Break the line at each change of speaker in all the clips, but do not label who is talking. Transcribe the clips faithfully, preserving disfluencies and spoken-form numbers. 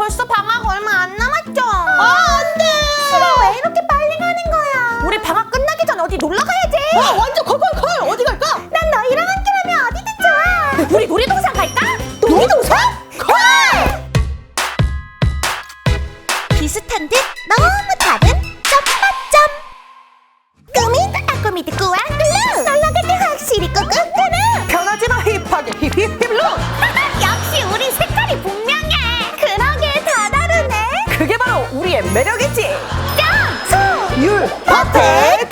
벌써 방학 얼마 안 남았죠? 아, 안 돼! 싫어, 왜 이렇게 빨리 가는 거야? 우리 방학 끝나기 전에 어디 놀러 가야지!
아, 완전 콜콜콜! 어디 갈까?
난 너희랑 함께라면 어디든 좋아! 우리 놀이동산 갈까?
놀이동산? 콜!
비슷한 듯 너무 다른 점마점! 꾸미드 아꾸미드 꾸안글루! 놀러 갈 때 확실히 꾹꾹꾸는!
변하지 마 힙하게 힙힙힙룩!
역시 우리 색깔이 분명해! 그러게 다 다르네!
그게 바로 우리의 매력이지!
점! 소!
율!
퍼펙트!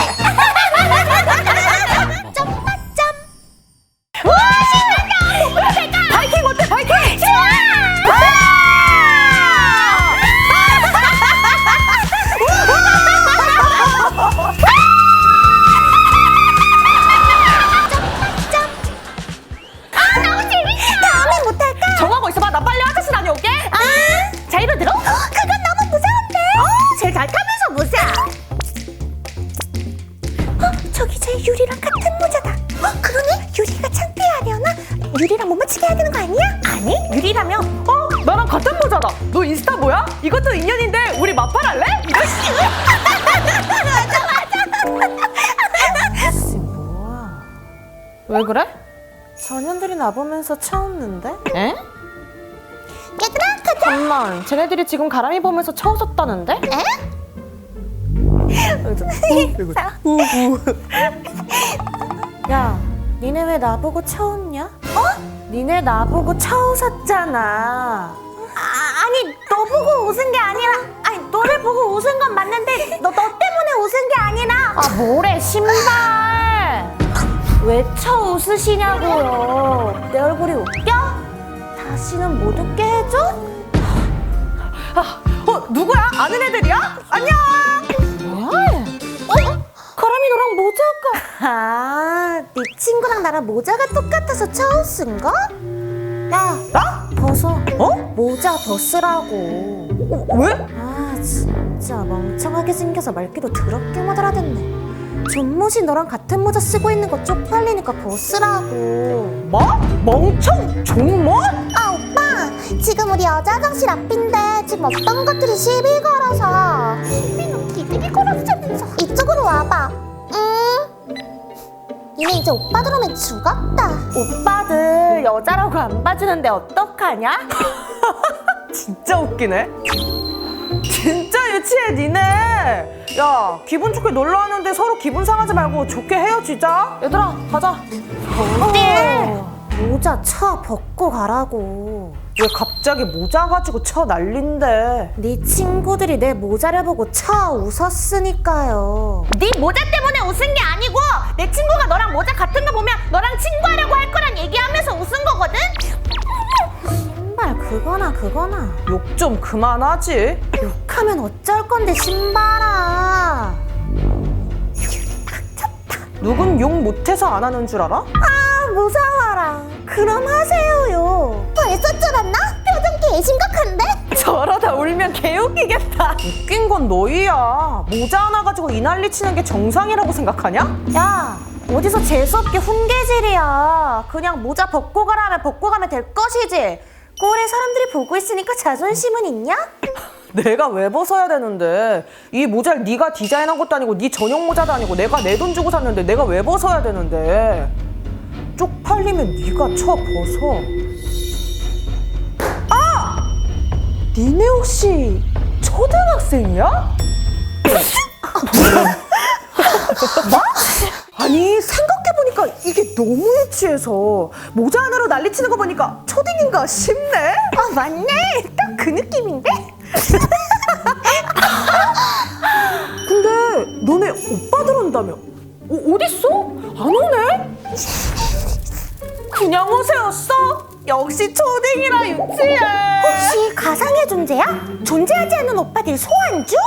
점마점! 우와 신난다! 목표로 갈까?
바이킹 어때 바이킹!
좋아! 아 너무 재밌어! 다음엔 못할까?
정하고 있어봐 나 빨리 화장실 다녀올게!
아, 자이로 들어? 그건 너무 무서운데? 어, 제일 잘 타면서 무서워. 어, 저기 제 유리랑 같은 모자다. 어, 그러네? 유리가 창피하려나? 유리랑 못 맞추게 해야 되는 거 아니야? 아니, 유리라면
어? 나랑 같은 모자다! 너 인스타 뭐야? 이것도 인연인데 우리 마팔할래?
맞아,
뭐야? 왜 그래? 전현들이 나보면서 차웃는데? 에?
얘들아, 가자.
잠만, 쟤네들이 지금 가람이 보면서 차웃었다는데?
에?
야, 니네 왜 나보고 차웃냐? 어? 니네 나보고 차웃었잖아.
아, 아니, 너 보고 웃은 게 아니라, 아니, 너를 보고 웃은 건 맞는데, 너, 너 때문에 웃은 게 아니라.
아, 뭐래, 신발! 왜 차웃으시냐고요? 내 얼굴이 웃겨? 다시는 못 웃게 해줘? 아, 어, 누구야? 아는 애들이야? 안녕! 뭐야? 어? 가람이 너랑 모자가.
아, 네 친구랑 나랑 모자가 똑같아서 차웃은가? 야,
나?
벗어.
어?
모자 벗으라고.
어, 왜?
아, 진짜 멍청하게 생겨서 말귀도 더럽게 못 알아듣네. 존못이 너랑 같은 모자 쓰고 있는 거 쪽팔리니까 벗으라고.
뭐? 멍청? 존못?
아, 오빠, 지금 우리 여자 화장실 앞인데 지금 어떤 것들이 시비 걸어서. 시비는 기들이 걸었으면서. 이쪽으로 와봐. 응. 니네 이제 오빠들 오면 죽었다.
오빠들 여자라고 안 봐주는데 어떡하냐? 진짜 웃기네. 진짜 유치해 니네. 야, 기분 좋게 놀러 왔는데 서로 기분 상하지 말고 좋게 헤어지자. 얘들아 가자.
네. 모자 차 벗고 가라고.
왜 갑자기 모자 가지고 쳐 난린데?
네 친구들이 내 모자를 보고 차 웃었으니까요. 네 모자 때문에 웃은 게 아니고 내 친구가 너랑 모자 같은 거 보면 너랑 친구하려고 할 거란 얘기하면서 웃은 거거든? 신발 그거나 그거나.
욕 좀 그만하지.
욕하면 어쩔 건데 신발아.
누군 욕 못해서 안 하는 줄 알아?
아 무서워라. 그럼 하세요요. 벌써 쫄았나? 표정 개 심각한데?
저러다 울면 개웃기겠다. 웃긴 건 너희야. 모자 하나 가지고 이 난리 치는 게 정상이라고 생각하냐?
야, 어디서 재수없게 훈계질이야. 그냥 모자 벗고 가라 하면 벗고 가면 될 것이지. 꼴에 사람들이 보고 있으니까 자존심은 있냐?
내가 왜 벗어야 되는데? 이 모자를 네가 디자인한 것도 아니고 네 전용 모자도 아니고 내가 내 돈 주고 샀는데 내가 왜 벗어야 되는데? 쪽팔리면 네가 쳐 벗어. 아! 니네 혹시 초등학생이야? 뭐? 아니 생각해보니까 이게 너무 유치해서 모자 하나로 난리치는 거 보니까 초딩인가 싶네?
아 맞네. 딱 그 느낌인데?
근데 너네 오빠들 온다며? 어, 어딨어? 안 오네? 그냥 오세였어? 역시 초딩이라 유치해.
혹시 가상의 존재야? 존재하지 않는 오빠들 소환 중?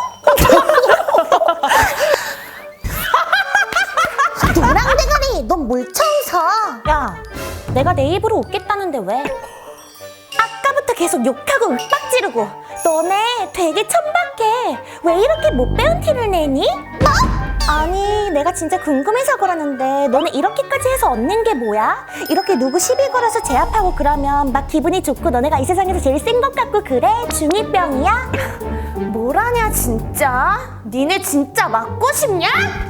노랑대가리 넌 뭘 쳐서? 야, 내가 내 입으로 웃겠다는데 왜? 아까부터 계속 욕하고 윽박 지르고 너네 되게 천박해. 왜 이렇게 못 배운 티를 내니? 뭐? 아니 내가 진짜 궁금해서 그러는데 너네 이렇게까지 해서 얻는 게 뭐야? 이렇게 누구 시비 걸어서 제압하고 그러면 막 기분이 좋고 너네가 이 세상에서 제일 센 것 같고 그래? 중이병이야? 뭐라냐 진짜? 니네 진짜 맞고 싶냐?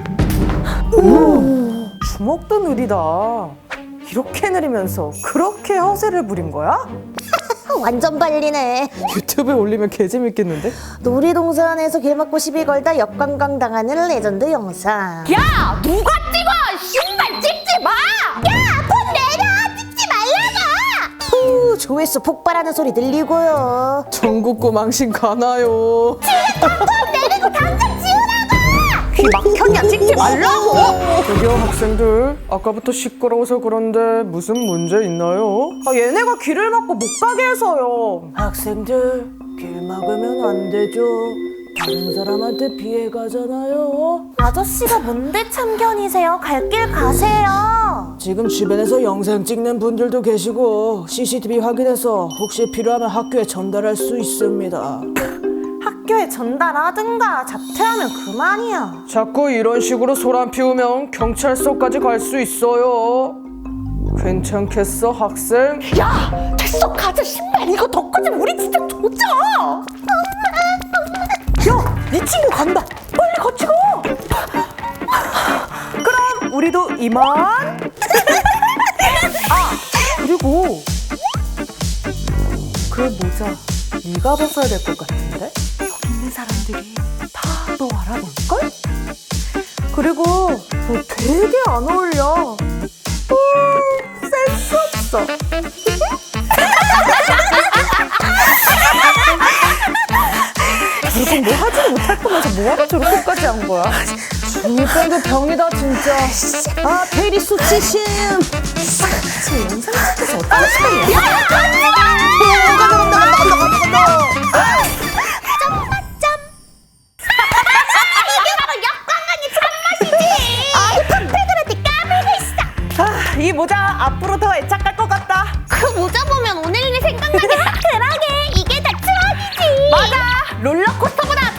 오, 주먹도 느리다. 이렇게 느리면서 그렇게 허세를 부린 거야?
완전 발리네.
유튜브에 올리면 개재밌겠는데?
놀이동산에서 길 막고 시비 걸다 역관광 당하는 레전드 영상.
야! 누가 찍어!
신발 찍지 마! 야! 폰 내려! 찍지 말라고! 후, 조회수 폭발하는 소리 들리고요.
전국구 망신 가나요?
폰 내리고 당장 지우라고!
귀 막혔냐? 찍지 말라고! 저기요 학생들, 아까부터 시끄러워서 그런데 무슨 문제 있나요? 아 얘네가 길을 막고 못 가게 해서요. 학생들, 길 막으면 안 되죠. 다른 사람한테 피해 가잖아요.
아저씨가 뭔데 참견이세요? 갈 길 가세요.
지금 주변에서 영상 찍는 분들도 계시고 씨씨티비 확인해서 혹시 필요하면 학교에 전달할 수 있습니다.
학교에 전달하든가 자퇴하면 그만이야.
자꾸 이런 식으로 소란 피우면 경찰서까지 갈 수 있어요. 괜찮겠어 학생?
야! 됐어 가자 신발 이거 더 커지면 우리 진짜 조져.
야! 네 친구 간다! 빨리 같이 가! 그럼 우리도 이만! 아! 그리고 그 모자 네가 벗어야 될 것 같은데? 여기 있는 사람들이 다 너 알아볼걸? 그리고 너 되게 안 어울려. 음, 센스 없어. 결국 뭐 하지도 못할 거면서 뭐하러 저렇게까지 한 거야? 중이병도 병이다 진짜. 아 페리 수치심. 지금 영상 찍혀서 어떤 시간이야? 야! 간다 간다 간다 간다 간다.
점마점. 이게 바로 역관광의 참맛이지. 아이 팡패들한테 까불고 있어.
아, 이 모자 앞으로 더 애착할 것 같다.
그 모자 보면 오늘 일이 생각나겠다. 그러게 이게 다 추억이지.
맞아. 롤러코스터보다